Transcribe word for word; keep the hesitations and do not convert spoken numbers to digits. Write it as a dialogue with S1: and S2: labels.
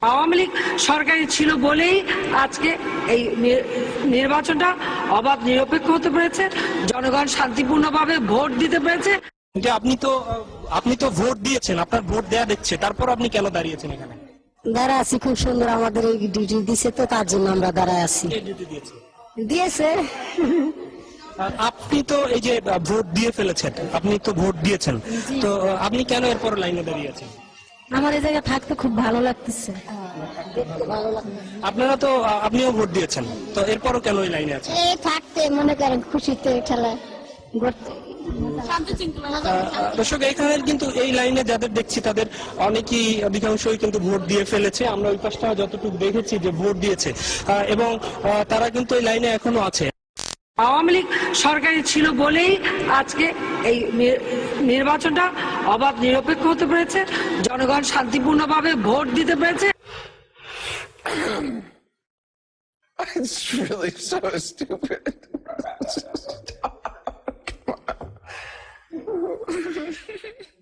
S1: আওয়ামী লীগ সরকারি ছিল বলেই আজকে এই নির্বাচনটা অবাধ নিরপেক্ষ হতে পেরেছে, জনগণ শান্তিপূর্ণভাবে ভোট দিতে পেরেছে।
S2: যে আপনি তো আপনি তো ভোট দিয়েছেন, আপনার ভোট দেয়া দেখছে, তারপর আপনি কেন দাঁড়িয়েছেন এখানে?
S3: দাঁড়া আছি, খুব সুন্দর আমাদের এই ডিউটি দিছে, তো তার জন্য আমরা দাঁড়ায় আছি। দিয়েছে
S2: আপনি তো এই যে ভোট দিয়ে ফেলেছেন, আপনি তো ভোট দিয়েছেন, তো আপনি কেন এরপর লাইনে দাঁড়িয়ে আছেন?
S3: আমার এই জায়গায় থাকতে খুব ভালো লাগতেছে।
S2: আপনারা তো আপনিও ভোট দিয়েছেন, তো এরপরও কেন এই লাইনে আছেন?
S3: এই থাকতে মনে করেন খুশিতে খেলা করতে।
S2: দর্শক, এখানে কিন্তু এই লাইনে যাদের দেখছি তাদের অনেকেই, অধিকাংশই কিন্তু ভোট দিয়ে ফেলেছে। আমরা ওই পাশটা যতটুকু দেখেছি যে ভোট দিয়েছে, এবং তারা কিন্তু এই লাইনে এখনো আছে।
S1: আওয়ামী লীগ সরকারি ছিল বলেই আজকে এই নির্বাচনটা অবাধ নিরপেক্ষ হতে পেরেছে, জনগণ শান্তিপূর্ণভাবে ভোট দিতে পেরেছে।
S4: It's really so stupid. Come on.